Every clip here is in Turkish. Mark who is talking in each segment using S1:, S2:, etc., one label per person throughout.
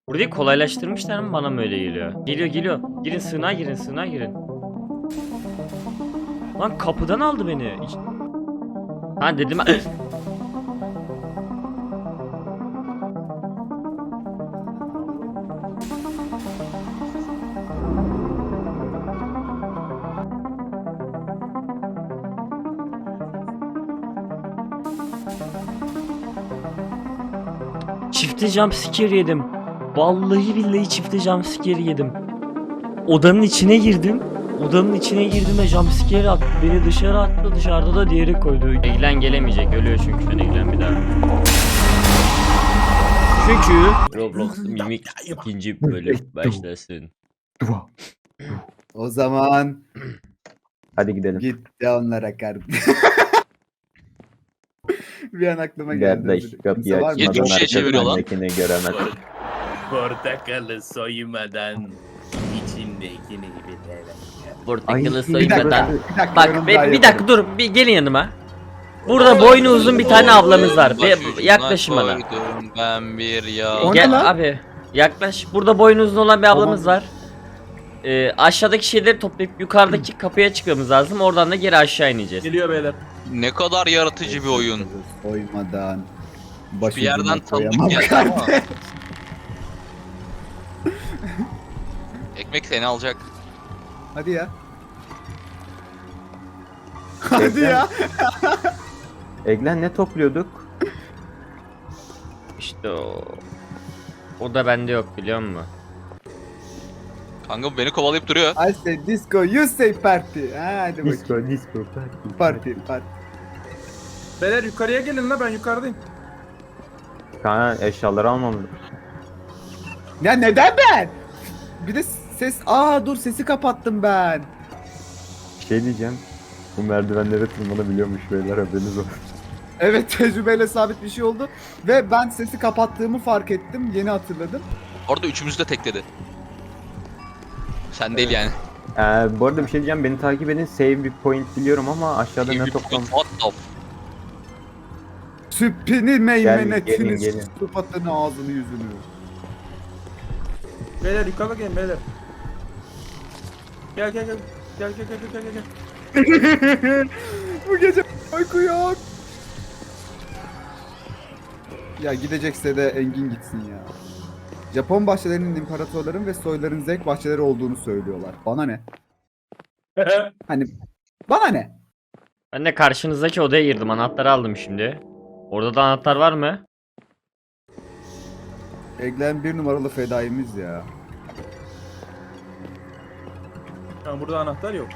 S1: Burayı kolaylaştırmışlar mı, bana mı öyle geliyor? Geliyor. Girin, sığınağa girin. Lan kapıdan aldı beni. Ha dedim. Çifte jumpscare yedim. Vallahi billahi çifte jumpscare yedim. Odanın içine girdim ve jumpscare attı. Beni dışarı attı. Dışarıda da diğeri koydu. Eglen gelemeyecek. Ölüyor çünkü şu an Eglen bir daha. Çünkü Roblox Mimik ikinci bölüm başlasın.
S2: O zaman
S3: Hadi gidelim.
S2: git de onlara kardeşim. Bir an aklıma geldi.
S3: Kardeş kapıyı
S2: Kimse var mı?
S3: açmadan
S4: 70'e çeviriyor lan.
S3: arkasındakini göremez.
S5: Portakalı soymadan içimdekini bilemem.
S1: Portakalı
S3: Ay,
S1: soymadan.
S2: dakika,
S1: Bak
S2: yorum
S1: bir
S2: daha
S1: dakika
S2: yaparım.
S1: dur. Bir gelin yanıma. Burada boynu uzun bir tane ablamız var. Yaklaşın bana.
S4: Koydum ben bir ya.
S2: O ne
S1: Gel
S2: lan?
S1: abi. Yaklaş. Burada boynu uzun olan bir ablamız var. Aşağıdaki şeyleri toplayıp yukarıdaki kapıya çıkmamız lazım. Oradan da geri aşağı ineceğiz.
S5: Geliyor beyler.
S4: Ne kadar yaratıcı bir oyun.
S2: Soymadan.
S4: Bir yerden
S2: başucuma
S4: tanıdık
S2: koyamam
S4: geldi
S2: kardeş.
S4: ama. Ekmek seni alacak.
S2: Hadi ya. Hadi ya.
S3: Eglen ne topluyorduk?
S1: İşte o. O da bende yok, biliyor musun?
S4: Kanka beni kovalayıp duruyor.
S2: I say disco, you say party. Ha, hadi bakayım.
S3: Disco.
S2: Party.
S5: Beyler yukarıya gelin la, ben yukarıdayım.
S3: Kanka eşyaları almamız.
S2: Ya neden ben? Bir de ses... dur sesi kapattım ben.
S3: Bir şey diyeceğim. Bu merdivenlere tırmanabiliyormuş beyler, haberiniz olsun.
S2: Evet, tecrübeyle sabit bir şey oldu. Ve ben sesi kapattığımı fark ettim. Yeni hatırladım.
S4: Orada üçümüzü de tekledi. Sen değil yani.
S3: Bu arada bir şey diyeceğim, beni takip edin, save bir point biliyorum ama aşağıda ne toplam...
S4: What the
S2: Süppini meymenetini,
S3: gelin.
S2: sıfatını, ağzını, yüzünü.
S5: Beyler yukarıda gelin beyler. Gel.
S2: Bu gece uyku yok. Ya gidecekse de Engin gitsin ya. Japon bahçelerinin imparatorların ve soyların zevk bahçeleri olduğunu söylüyorlar. Bana ne? Hani bana ne?
S1: Ben de karşınızdaki odaya girdim. Anahtarı aldım şimdi. Orada da anahtar var mı?
S2: Eglen bir numaralı fedaimiz ya.
S5: Yani burada anahtar yok.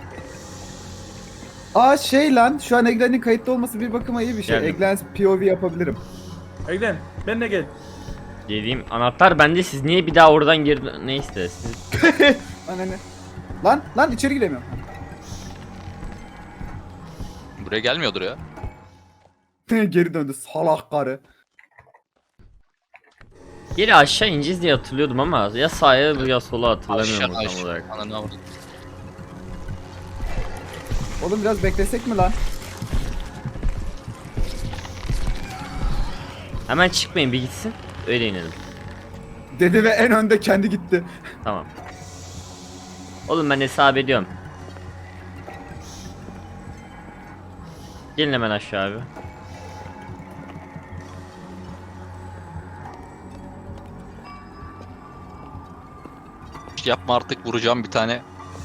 S2: Şey lan, şu an Eglen'in kayıtlı olması bir bakıma iyi bir şey.
S1: Geldim.
S2: Eglen POV yapabilirim.
S5: Eglen benimle gel.
S1: Dediğim anahtar bende, siz niye bir daha oradan girdiniz? Neyse siz...
S2: Bana ne? Lan içeri giremiyorum.
S4: Buraya gelmiyordur ya.
S2: Geri döndü salak karı.
S1: Geri aşağı ineceğiz diye hatırlıyordum ama ya sağa ya sola hatırlamıyorum
S4: Aşağı
S1: tam olarak.
S4: Ananı avradım.
S2: Oğlum biraz beklesek mi lan?
S1: Hemen çıkmayın, bir gitsin. Öyle inelim.
S2: Dedi ve en önde kendi gitti.
S1: Tamam. Oğlum ben hesap ediyorum. Gelin hemen aşağı abi.
S4: Yapma artık, vuracağım bir tane.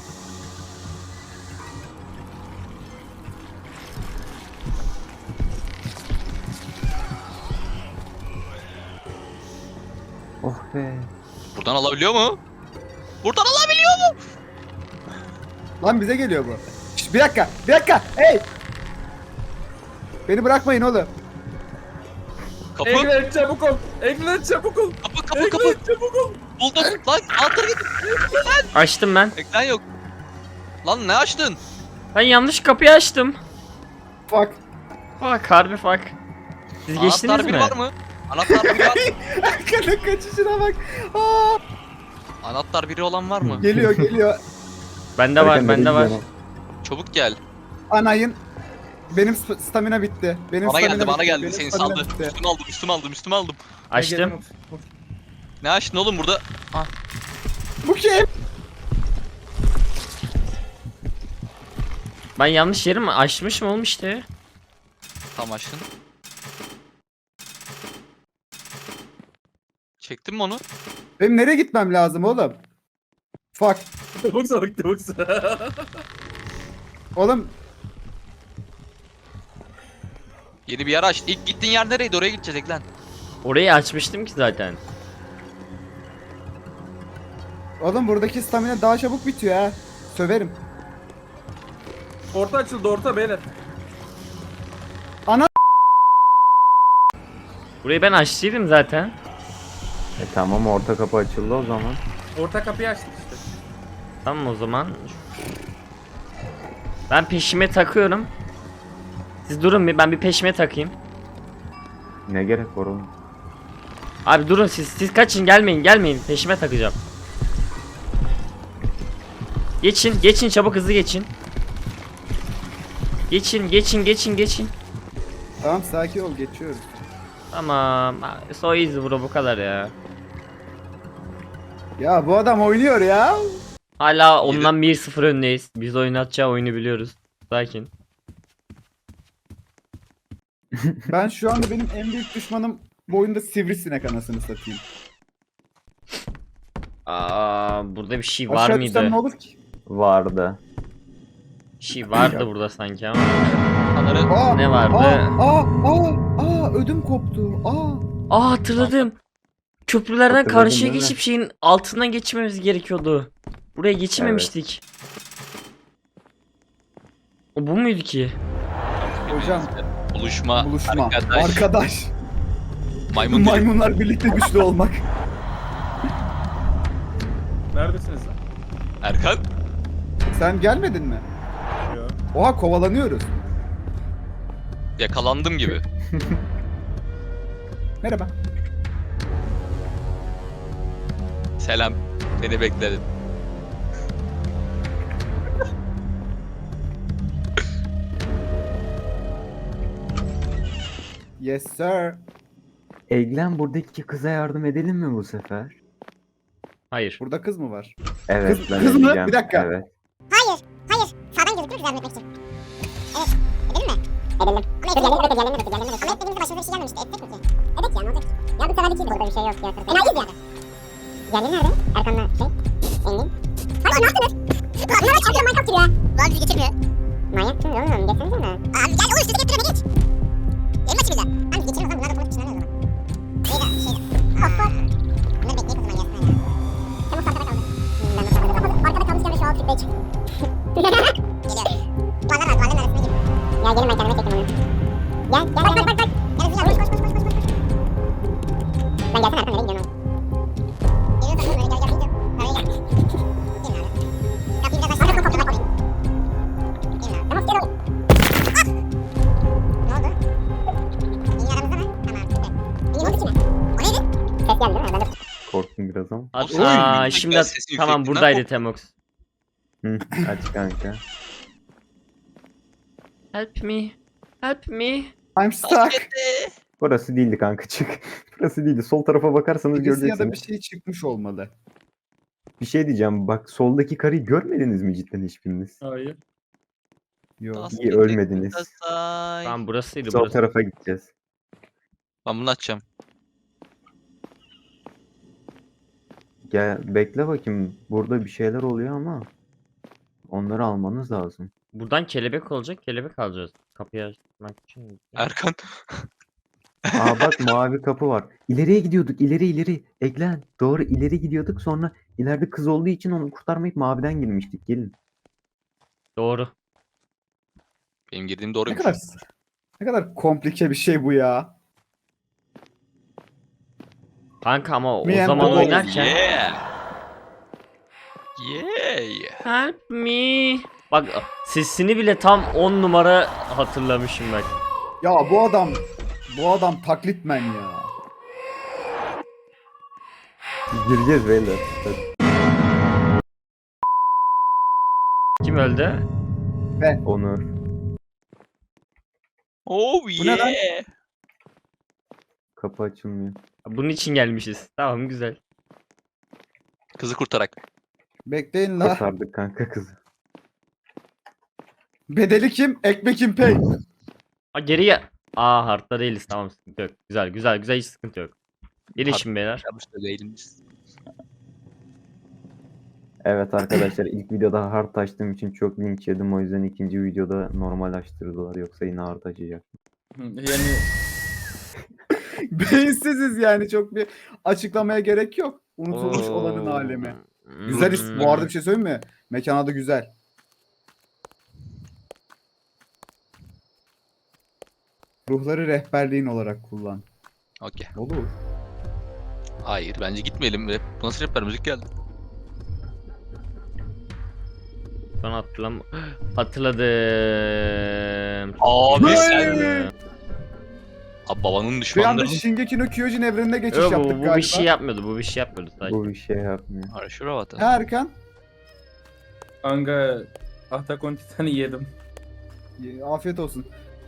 S3: Oh be.
S4: Buradan alabiliyor mu? Buradan alabiliyor mu?
S2: Lan bize geliyor bu. Şşt, bir dakika. Hey! Beni bırakmayın oğlum.
S4: Kapı,
S5: Eglen çabuk ol. Eglen çabuk ol.
S4: kapı.
S5: Eglen çabuk ol.
S4: Buldum. Lan anahtarı git.
S1: Açtım ben.
S4: Ekran yok. Lan ne açtın?
S1: Ben yanlış kapıyı açtım.
S2: Fuck.
S1: Bak harbi bak. Siz geçtiniz
S4: Anahtar
S1: mi?
S4: biri var mı? Anahtar biri var mı?
S2: Arkada kaçışına bak. Aa!
S4: Anahtar biri olan var mı?
S2: Geliyor.
S1: Bende var, bende var.
S4: Çabuk gel.
S2: Anayın. Benim stamina bitti.
S4: Bana geldi, bana geldi.
S2: Benim
S4: Seni
S2: stamina
S4: saldı.
S2: bitti.
S4: Üstüme aldım.
S1: Açtım.
S4: Ne açtın oğlum burada?
S2: Bu kim?
S1: Ben yanlış yeri mi açmışım oğlum işte.
S4: Tam açtın. Çektin mi onu?
S2: Benim nereye gitmem lazım oğlum? Fuck.
S5: Tavuk salak tavuk salak.
S2: Oğlum
S4: Yeni bir yer açtı. İlk gittiğin yer nereydi? Oraya gideceğiz Eklen.
S1: Orayı açmıştım ki zaten.
S2: Oğlum buradaki stamina daha çabuk bitiyor ha. Söverim.
S5: Orta açıldı orta beyler.
S1: Burayı ben açtıydım zaten.
S3: Tamam orta kapı açıldı o zaman.
S5: Orta kapıyı açtık işte.
S1: Tamam o zaman. Ben peşime takıyorum. Siz durun bir, ben bir peşime takayım.
S3: Ne gerek var oğlum?
S1: Abi durun siz kaçın, gelmeyin peşime takacağım. Geçin çabuk, hızlı geçin. Geçin.
S2: Tamam sakin ol geçiyoruz.
S1: Tamam. So easy bro, bu kadar ya.
S2: Ya bu adam oynuyor ya.
S1: Hala ondan 1-0 öndeyiz. Biz oynatacağı oyunu biliyoruz. Sakin.
S2: Ben şu anda benim en büyük düşmanım bu oyunda sivrisinek anasını satayım.
S1: Burada bir şey var
S2: Aşağı düşsem
S1: mıydı?
S2: ne olur ki?
S3: Vardı.
S1: Bir şey vardı burada sanki ama.
S4: Kanarı
S2: Aa,
S1: Ne vardı?
S2: Ödüm koptu.
S1: Hatırladım. Köprülerden
S3: Hatırladın
S1: karşıya
S3: değil mi?
S1: geçip şeyin altından geçmemiz gerekiyordu. Buraya geçememiştik. O bu muydu ki?
S2: Hocam
S4: buluşma.
S2: buluşma.
S4: Arkadaş.
S2: Arkadaş.
S4: Maymun dilim.
S2: Maymunlar birlikte güçlü olmak.
S5: Neredesiniz lan?
S4: Erkan.
S2: Sen gelmedin mi?
S5: Yo.
S2: Oha kovalanıyoruz.
S4: Yakalandım gibi.
S2: Merhaba.
S4: Selam. Seni bekledim.
S2: Yes sir.
S3: Eglen buradaki kıza yardım edelim mi bu sefer?
S1: Hayır.
S2: Burada kız mı var?
S3: Evet
S2: Kız-
S3: ben
S2: kız mı?
S3: edeceğim.
S2: Bir dakika.
S3: Evet.
S6: Hayır. Sağdan gözükür mü yardım etmek için? Evet. Edelim mi? Edelim. Ama edelim. Ama etmediğimizde başımıza bir şey gelmemişti. Ettik mi ki? Evet ya ne olacak? Ya bir sefer ikiydi. Burada bir şey yok ya. Enayiz yani. Diğerleri nerede? Erkan'la Engin. Hayır ne yaptınız? Bunlar açıkçası Minecraft giriyor ha. Lan bizi geçirmiyor. Manyak mısınız oğlum? Geçsenize mi? Abi gel oğlum sizi getiriyor geç. Yayın maçı bize. Lan biz geçelim o zaman. Bunlar da konuk dışına o zaman. Neydi? Of of. Bunları bekleyip o zaman gelsinler ya. Temmuz arkada kaldı. Arkada kalmışken de şu alt tıklayı çık. Geliyor. Duvarların arasına gir. Ya gelin ben kendime çektim onu. Gel. Bak. Gel Ziyad koş. Ben gelsene Erkan nereye gidiyorsun oğlum? Geliyorsan oğlum öyle gel. Öyle gel. Gelin abi. Kapıyı biraz aşağı kapıyı bak. Gelin abi. Tamam gel oğlum. Ne oldu? Engin aramızda mı? Tamam süper. Engin oldu kime? O neydi? Ses geldi değil mi? Ben de
S3: Korktum biraz ama.
S4: Oy,
S1: Şimdi
S4: ben sesini
S1: tamam
S4: yükselttim
S1: buradaydı
S4: lan.
S1: Temox.
S3: Hı, aç kanka.
S1: Help me.
S2: I'm stuck.
S3: Burası değildi kanka çık. Burası değildi. Sol tarafa bakarsanız
S2: Birisi ya da
S3: göreceksiniz.
S2: bir şey çıkmış olmalı.
S3: Bir şey diyeceğim. Bak soldaki karıyı görmediniz mi cidden hiçbiriniz?
S5: Hayır.
S2: Yok.
S3: İyi ölmediniz.
S1: Tamam burasıydı
S3: Sol
S1: burası.
S3: tarafa gideceğiz.
S4: Ben bunu açacağım.
S3: Gel bekle bakayım. Burada bir şeyler oluyor ama onları almanız lazım.
S1: Buradan kelebek olacak, kelebek alacağız. Kapıyı açmak için.
S4: Erkan.
S3: Aa bak mavi kapı var. İleriye gidiyorduk. İleri. Eglen. Doğru ileri gidiyorduk. Sonra ileride kız olduğu için onu kurtarmayıp maviden girmiştik. Gelin.
S1: Doğru.
S4: Benim girdiğim
S2: Ne
S4: doğruymuş.
S2: kadar komplike bir şey bu ya.
S1: Kanka ama o
S2: Me and
S1: zaman
S2: the
S1: oynarken
S4: Yeah.
S1: help me. Bak sesini bile tam 10 numara hatırlamışım bak.
S2: Ya bu adam taklitmen ya.
S3: Gireceğiz beyler. Hadi.
S1: Kim öldü?
S3: Onur.
S4: Oh
S2: Bu ne lan?
S4: yeah.
S3: Kapı açılmıyor.
S1: Bunun için gelmişiz. Tamam güzel.
S4: Kızı kurtarak.
S2: Bekleyin la.
S3: Kurtardık kanka kızı.
S2: Bedeli kim? Ekmekim pay.
S1: Ha geriye. Aa hartta değiliz, tamam, sıkıntı yok. Güzel güzel güzel, hiç sıkıntı yok. Gelişin beyler.
S4: Yanlış da değilimiz.
S3: Evet arkadaşlar, ilk videoda hard açtığım için çok linç yedim, o yüzden ikinci videoda normal açtırdılar, yoksa yine hard açacak.
S5: Yani
S2: Beyinsiziz yani, çok bir açıklamaya gerek yok. Unutulmuş olanın alemi. Güzel isim. Bu arada bir şey söyleyeyim mi? Mekan adı güzel. Ruhları rehberliğin olarak kullan.
S4: Okey.
S2: Olur.
S4: Hayır bence gitmeyelim. Bu nasıl rapper müzik geldi?
S1: Ben hatırladım.
S4: Abi
S2: Hey!
S4: sen. Abi babanın
S2: Bir anda
S4: düşmanları.
S2: Shingeki no Kyojin evrenine geçiş
S1: Yok,
S2: yaptık
S1: bu
S2: galiba.
S1: bir şey yapmıyordu. Bu bir şey yapmıyordu sadece.
S3: Bu bir şey yapmıyor.
S4: Şura vatan.
S2: Ha Erkan?
S5: kanka Attack on Titan'ı yedim.
S2: Afiyet olsun.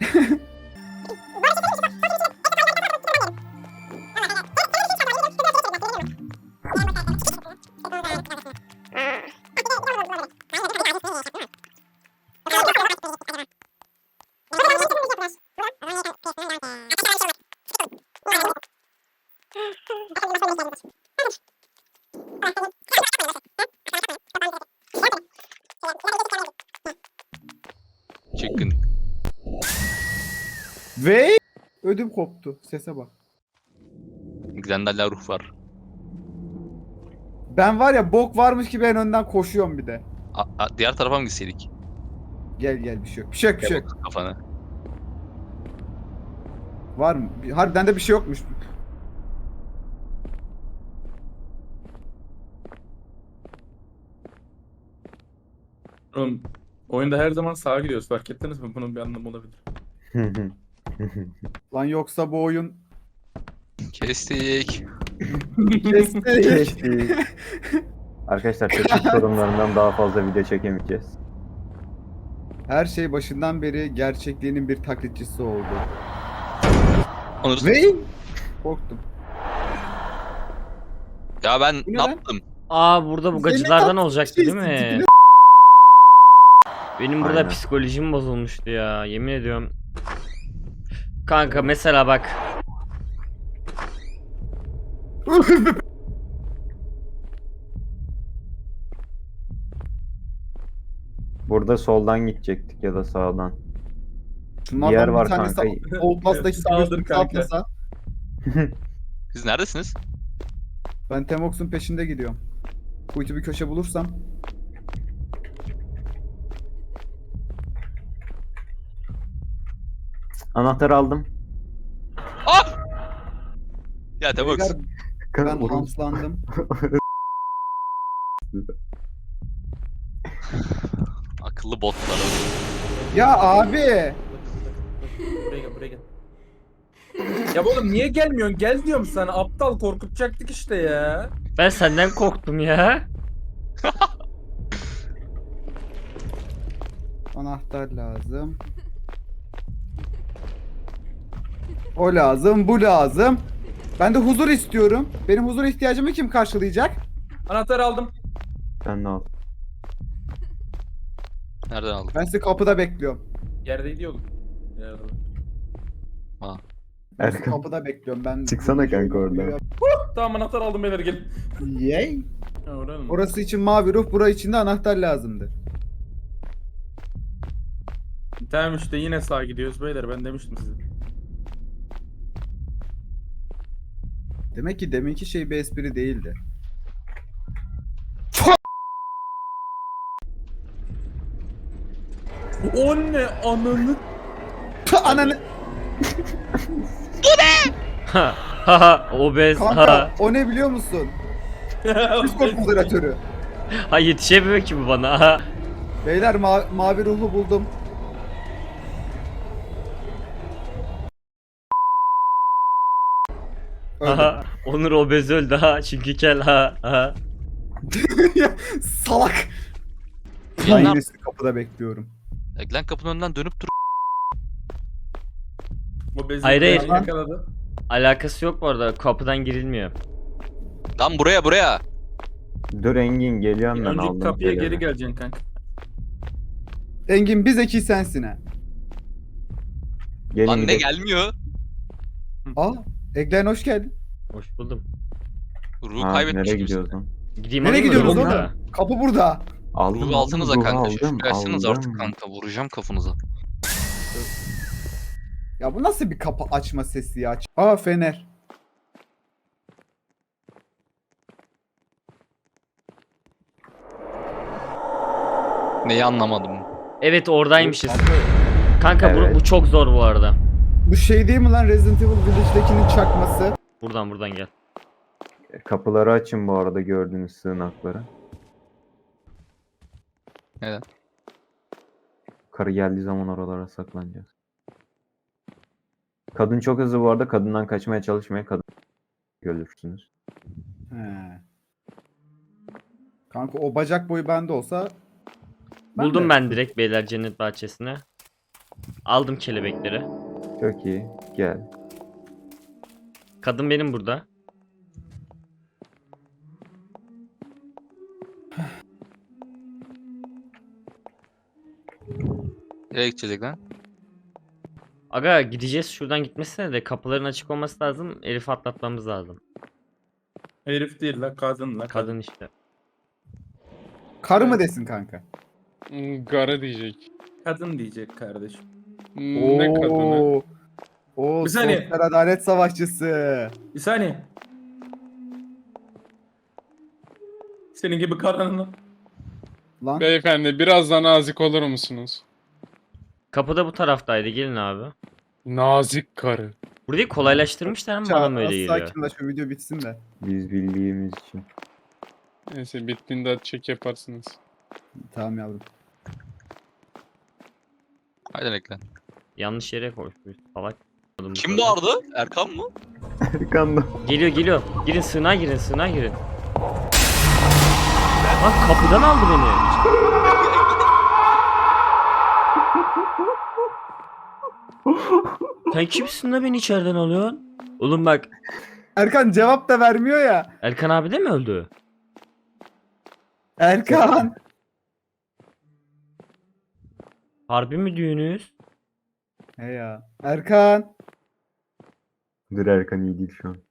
S4: Çıkın.
S2: Ve ödüm koptu. Sese bak.
S4: Xandal'la ruh var.
S2: Ben var ya, bok varmış gibi en önden koşuyorum bir de.
S4: Diğer tarafa mı gitseydik?
S2: Gel gel, bir şey yok. Bir şey yok, bir şey yok.
S4: Kafanı.
S2: Var mı? Harbiden de bir şey yokmuş.
S5: Oğlum oyunda her zaman sağa gidiyoruz, fark ettiniz mi? Bunun bir anlamı olabilir.
S2: Lan yoksa bu oyun
S4: Kestik.
S2: kestik.
S3: Kestik. Arkadaşlar teknik sorunlarından daha fazla video çekemeyeceğiz.
S2: Her şey başından beri gerçekliğinin bir taklitçisi oldu.
S4: Onur.
S2: Ve korktum.
S4: Ya ben
S2: Bu ne
S4: ne
S2: lan?
S4: yaptım?
S1: Aa, burada bu
S2: Senin
S1: gacılardan
S2: tatlı
S1: olacaktı
S2: şey
S1: değil mi?
S2: sikini-
S1: Benim burada
S3: Aynen.
S1: psikolojim bozulmuştu ya, yemin ediyorum. Kanka mesela bak.
S3: Burada soldan gidecektik ya da sağdan.
S2: Şunlardan
S3: Bir yer
S2: bir
S3: var
S2: tanesi
S3: kanka.
S2: Outlast'taki
S5: Sağdır
S2: gibi
S5: kanka.
S2: atlasa.
S4: Siz neredesiniz?
S2: Ben Temox'un peşinde gidiyorum. Kuytu bir köşe bulursam.
S3: Anahtarı aldım.
S4: Ah! Ya Temox.
S2: Beyler, ben
S3: Oğlum,
S2: hamslandım.
S4: Akıllı botlar.
S2: Ya abi.
S5: Buraya gel, buraya gel. Ya oğlum niye gelmiyorsun? Gel diyorum sana. Aptal, korkutacaktık işte ya.
S1: Ben senden korktum ya.
S2: Anahtar lazım. O lazım, bu lazım. Ben de huzur istiyorum. Benim huzur ihtiyacımı kim karşılayacak?
S5: Anahtarı aldım.
S3: sen de al.
S4: Nereden aldın?
S2: Ben sizi kapıda bekliyorum.
S5: Yerdeydi oğlum. Yerde.
S2: Ben sizi
S3: Erkan,
S2: kapıda bekliyorum. Ben
S3: çıksana kanka oradan.
S5: Tamam, anahtar aldım beyler, gelin.
S2: Yay.
S5: Ha, oraya mı?
S2: Orası için mavi ruh, bura için de anahtar lazımdı.
S5: Tamam işte, yine sağa gidiyoruz beyler, ben demiştim size.
S2: Demek ki deminki şey bir espri değildi.
S5: O ne ananı?
S2: Tüh, ananı.
S1: Ha ha, obez
S2: Kanka
S1: ha.
S2: o ne biliyor musun? Discord moderatörü.
S1: Ha, yetişemiyor ki bu bana. Ha.
S2: Beyler mavi ruhu buldum. Öldüm.
S1: Ha, Onur obez öldü ha, çünkü kel ha ha.
S2: Salak. Ben
S4: Yayınlar-
S2: yine sizi kapıda bekliyorum.
S4: Eglen kapının önünden dönüp dur.
S5: O bezi
S1: Hayır, hayır.
S5: yakaladı.
S1: Alakası yok bu arada, kapıdan girilmiyor.
S4: Lan buraya.
S3: Dur Engin geliyorum ben
S5: Önceki
S3: aldım.
S5: kapıya
S3: kelebeği.
S5: geri geleceksin kanka.
S2: Engin bir zeki sensin ha.
S3: Gelin
S4: Lan ne
S3: gidelim.
S4: gelmiyor?
S2: Aa, Eglen hoş geldin.
S1: Hoş buldum.
S4: Ruhu
S3: Ha,
S4: kaybetmiş
S3: nereye
S4: gibisin.
S3: gidiyoruz lan?
S1: Gideyim
S2: Nereye
S1: alayım mı
S2: gidiyorsunuz
S1: ruhu
S2: oğlum?
S1: da?
S2: Kapı burada.
S3: Aldım
S4: Ruhu alsanıza
S3: ruhu
S4: kanka.
S3: aldım,
S4: Şifrelsiniz artık
S3: aldım.
S4: kanka. Vuracağım kafanıza.
S2: Ya bu nasıl bir kapı açma sesi ya? Aa, fener.
S4: Neyi anlamadım.
S1: Evet oradaymışız. Kanka
S3: Evet.
S1: bu çok zor bu arada.
S2: Bu şey değil mi lan, Resident Evil Village'dekinin çakması?
S1: Buradan gel.
S3: Kapıları açın bu arada gördüğünüz sığınakları.
S4: Neden?
S3: Karı geldiği zaman oralara saklanacağız. Kadın çok hızlı bu arada. Kadından kaçmaya çalışmayın. Kadın görürsünüz.
S2: He. Kanka o bacak boyu bende olsa...
S1: Buldum
S2: de-
S1: ben direkt beyler cennet bahçesine. Aldım kelebekleri.
S3: Çok iyi. Gel.
S1: Kadın benim burada.
S4: Nereye gidecek lan?
S1: Aga gideceğiz şuradan gitmesine de kapıların açık olması lazım. Elif'i atlatmamız lazım.
S5: Herif değil la kadın la
S1: Kadın işte.
S2: Karı mı desin kanka?
S7: Gara diyecek.
S5: Kadın diyecek kardeşim.
S7: Ne kadını?
S2: Oo,
S5: Bir saniye.
S2: sosyal adalet savaşçısı.
S5: Bir saniye. Senin gibi karının.
S2: Lan
S7: Beyefendi biraz daha nazik olur musunuz?
S1: Kapı da bu taraftaydı gelin abi.
S7: Nazik karı.
S1: Burayı kolaylaştırmışlar ama bana mı öyle geliyor?
S2: sakinleş, şu video bitsin de.
S3: Biz bildiğimiz için.
S7: Neyse bittiğinde çek yaparsınız.
S2: Tamam yavrum.
S4: Haydi reklam.
S1: Yanlış yere koşmuş salak.
S4: Kim bağırdı? Erkan mı?
S3: Arkanda.
S1: Geliyor. Girin sığınağa girin. Bak kapıdan aldı beni. Sen kimsin de beni içeriden alıyorsun? Oğlum bak
S2: Erkan cevap da vermiyor ya.
S1: Erkan abi de mi öldü?
S2: Erkan.
S1: Harbi mi düğünüz?
S2: He ya. Erkan.
S3: Dur Erkan iyi değil şu an.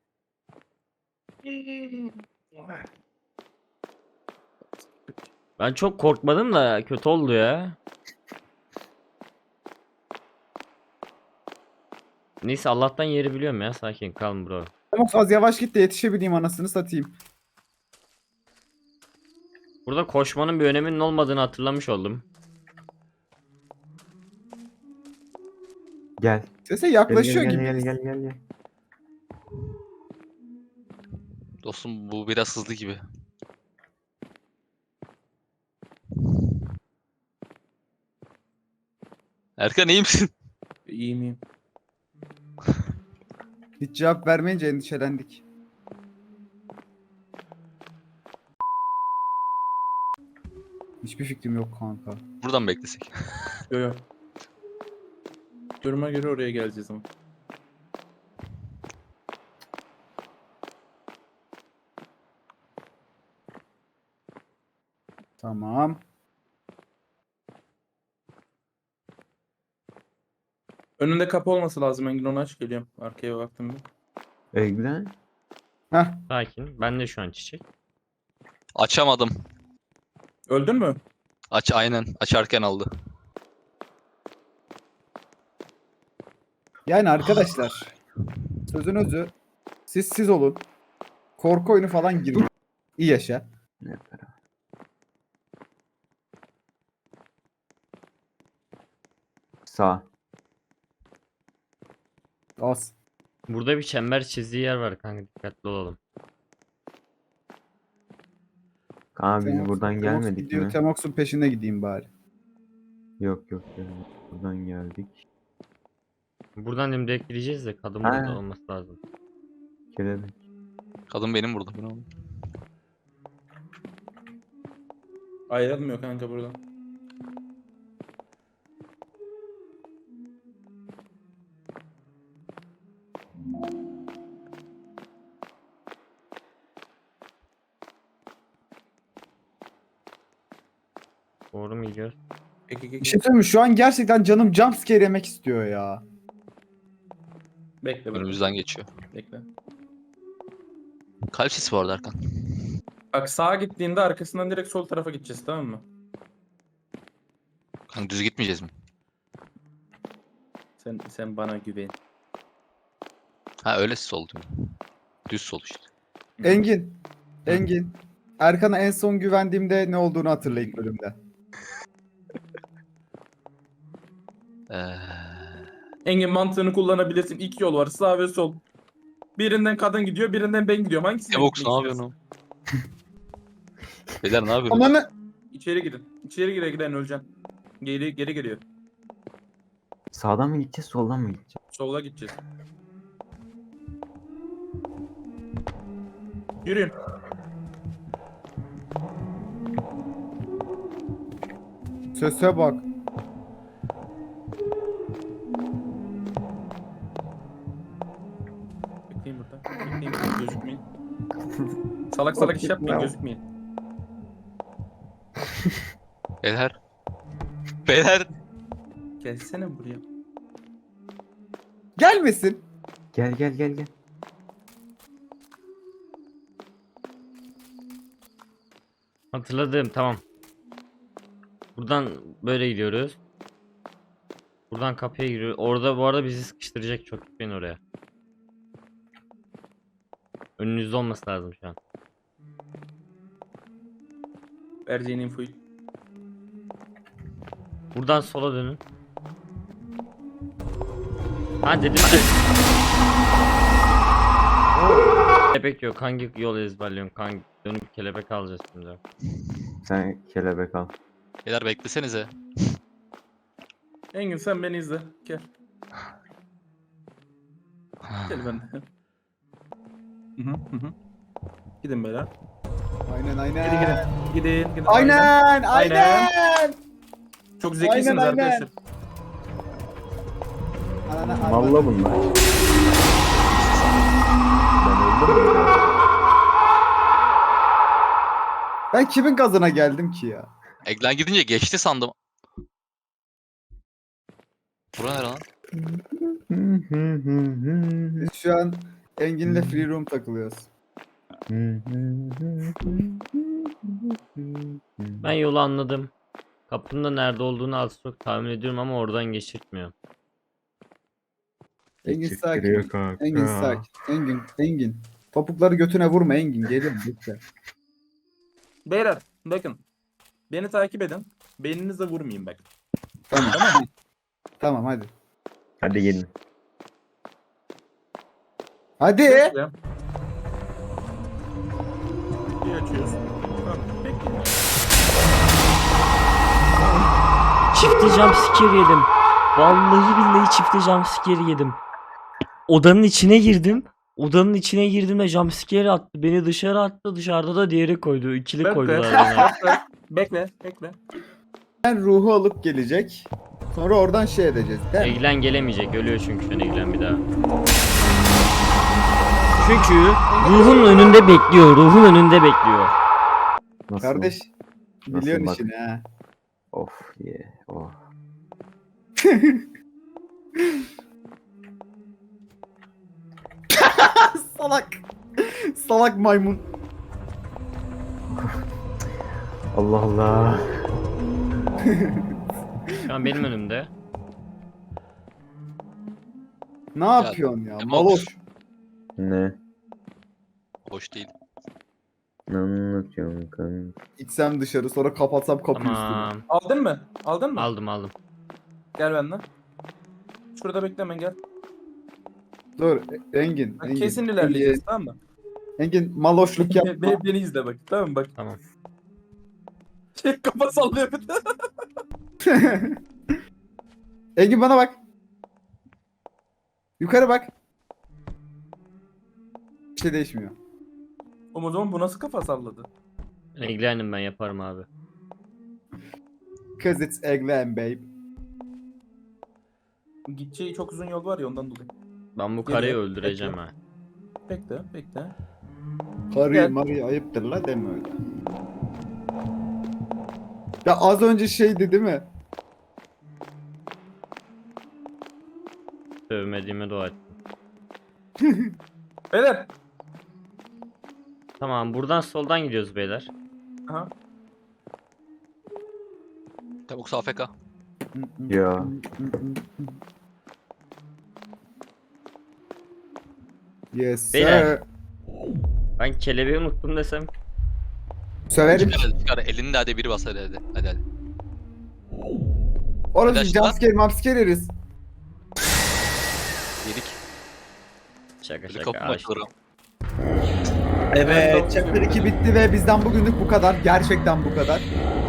S1: Ben çok korkmadım da kötü oldu ya. Neyse Allah'tan yeri biliyorum ya sakin kalın bro.
S2: Ama az yavaş git de yetişebileyim, anasını satayım.
S1: Burada koşmanın bir öneminin olmadığını hatırlamış oldum.
S3: Gel.
S2: Sese
S3: Gel
S2: yaklaşıyor
S3: gel
S2: gibi.
S3: gel gel gel gel.
S4: Dostum bu biraz hızlı gibi. Erkan iyi misin?
S5: İyi miyim?
S2: Hiç cevap vermeyince endişelendik. Hiçbir fikrim yok kanka.
S4: Buradan beklesek.
S5: Yo yo. Duruma göre oraya geleceğiz ama.
S2: Tamam.
S5: Önünde kapı olması lazım Engin, onu aç geliyorum. Arkaya baktım bir.
S3: Eglen.
S2: Heh.
S1: Sakin. Ben de şu an çiçek.
S4: Açamadım.
S5: Öldün mü?
S4: Aynen. Açarken aldı.
S2: Yani arkadaşlar. Sözün özü. Siz olun. Korku oyunu falan girin. İyi yaşa.
S3: Ne para? Sağ.
S2: Az.
S1: Burada bir çember çizdiği yer var kanka dikkatli olalım.
S3: Kaan biz
S2: Temox-
S3: buradan
S2: Temox
S3: gelmedik
S2: gidiyor,
S3: mi?
S2: Temox'un peşine gideyim bari.
S3: Yok gelmedik. Buradan geldik.
S1: Buradan hem direkt gideceğiz de kadın
S3: Ha.
S1: burada olması lazım.
S3: Kelebek.
S4: Kadın benim burada. Bu ne oğlum?
S5: Ayrılmıyor kanka buradan.
S1: Doğru mu gidiyor?
S2: Bir şey söyleyeyim mi? Şu an gerçekten canım jumpscare yemek istiyor ya.
S5: Bekle.
S4: Önümüzden geçiyor.
S5: Bekle.
S4: Kalp sesi vardı Erkan.
S5: Bak sağa gittiğinde arkasından direkt sol tarafa gideceğiz, tamam mı?
S4: Kanka düz gitmeyeceğiz mi?
S5: Sen bana güven.
S4: Ha öyle sol diyorum. Düz sol işte.
S2: Engin. Erkan'a en son güvendiğimde ne olduğunu hatırla ilk bölümde.
S4: Ee,
S5: Engin mantığını kullanabilirsin. İki yol var, sağ ve sol. Birinden kadın gidiyor, birinden ben gidiyorum. Hangisine
S4: Evox
S5: gitmek
S4: ne yapıyorsun
S5: istiyorsun?
S4: oğlum? Beyler ne yapıyorsunuz?
S2: Ananı...
S5: İçeri gidin. İçeri giden öleceksin. Geri geliyor.
S3: Sağdan mı gideceğiz soldan mı gideceğiz?
S5: Sola gideceğiz. Yürüyün.
S2: Sese bak.
S5: Bekleyin burada. Bekleyin burada. Gözükmeyin. Salak iş yapmayın, gözükmeyin.
S4: Beyler. Beyler.
S5: Gelsene buraya.
S2: Gelmesin.
S3: Gel.
S1: Hatırladım, tamam. Buradan böyle gidiyoruz. Buradan kapıya giriyor. Orada bu arada bizi sıkıştıracak, çok gitmeyin oraya. Önünüzde olması lazım şu an.
S5: Vereceğin infoyu.
S1: Buradan sola dönün. Ha dedim de. Kelebek yok. Hangi yol ezberliyorsun? Hangi dönüp kelebek alacağız şimdi.
S3: Sen kelebek al.
S4: Beyler beklesenize.
S5: Engin sen beni izle. Gel. Gel ben de. Hı. Gidin beyler.
S2: Aynen.
S5: Gidin.
S2: Aynen.
S5: Çok zekisiniz
S2: Aynen.
S5: arkadaşlar.
S2: Aynen.
S3: Malla bunlar. Ben öldüm mü?
S2: Ben kimin gazına geldim ki ya?
S4: Eglen gidince geçti sandım. Bura nere lan?
S2: Biz şu an Engin'le free room takılıyoruz.
S1: Ben yolu anladım. Kapının da nerede olduğunu az çok tahmin ediyorum ama oradan geçirtmiyor.
S2: Engin
S3: Çıktırıyor
S2: sakin.
S3: kanka.
S2: Engin sakin. Engin. Topukları götüne vurma Engin. Geliyorum lütfen.
S5: Beyler bakın. Beni takip edin. Beyninize vurmayayım bak.
S2: Tamam. Tamam hadi.
S3: Hadi gelin.
S2: Hadi.
S5: Bekle. Bir açıyoruz. Tamam. Bekle.
S1: Çifte jumpscare yedim. Vallahi billahi çifte jumpscare yedim. Odanın içine girdim. Odanın içine girdim ve jumpscare attı. Beni dışarı attı. Dışarıda da diğeri koydu. İkili koydular bana.
S5: Bekle.
S2: Ben ruhu alıp gelecek. Sonra oradan şey edeceğiz. Değil mi?
S1: Eglen gelemeyecek. Ölüyor çünkü şu an Eglen bir daha. Çünkü ruhun önünde bekliyor. Ruhun önünde bekliyor.
S3: Nasıl?
S2: Kardeş. Biliyorsun
S3: bak?
S2: işini ha.
S3: Of ye. Oh.
S2: Salak. Salak maymun.
S3: Allah Allah.
S1: Şu an benim önümde.
S2: Ne yapıyorsun ya?
S4: Emox.
S2: Maloş.
S3: Ne?
S4: Hoş değil.
S3: Ne anlatıyorsun kanka?
S2: İçsem dışarı sonra kapatsam kapıyı üstüne.
S1: Tamam.
S5: Aldın mı? Aldın mı?
S1: Aldım.
S5: Gel benden. Şurada bekleme gel.
S2: Dur Engin.
S5: Bak, kesin ilerleyeceğiz, tamam mı?
S2: Engin maloşluk yapma.
S5: Beni izle bak, tamam mı? Bak.
S1: Tamam.
S5: Kafa sallıyor bir de.
S2: Engin bana bak. Yukarı bak. Bir şey değişmiyor.
S5: O zaman bu nasıl kafa salladı?
S1: Eglen'im ben yaparım abi.
S2: Cause it's Eglen babe.
S5: Gideceği çok uzun yol var ya ondan dolayı.
S1: Ben bu karıyı
S5: Geliyor.
S1: öldüreceğim ha.
S5: Bekle.
S2: Karıyı
S5: Gel.
S2: marıyı ayıptır la deme öyle. Ya az önce şeydi değil mi?
S1: Sövmediğime dua et.
S5: Beyler.
S1: Tamam buradan soldan gidiyoruz beyler.
S5: Aha.
S4: Tavuk AFK.
S3: Ya.
S2: Yes sir.
S1: Beyler. Ben kelebeği unuttum desem.
S2: Söverim.
S4: Çıkar elini de hadi biri bas hadi. Hadi.
S2: Orası
S4: Arkadaşlar.
S2: jumpscare yeriz.
S4: Yedik.
S1: Şaka
S4: Bir
S1: şaka.
S4: kapı
S1: açtım.
S4: açılır.
S2: Evet, chapter 2 bitti ve bizden bugünlük bu kadar. Gerçekten bu kadar.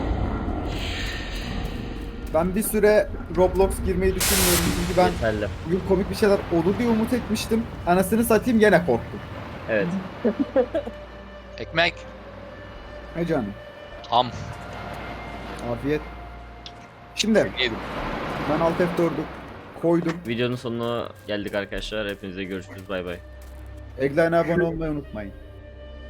S2: Ben bir süre Roblox girmeyi düşünmüyorum çünkü ben
S1: Yeterli.
S2: bugün komik bir şeyler olur diye umut etmiştim. Anasını satayım gene korktum.
S1: Evet.
S4: Ekmek.
S2: He canım.
S4: Am.
S2: Afiyet. Şimdi
S4: Yedim.
S2: ben Alt F4'ü koydum.
S1: Videonun sonuna geldik arkadaşlar. Hepinize görüşürüz. Bay bay.
S2: Eggline abone olmayı unutmayın.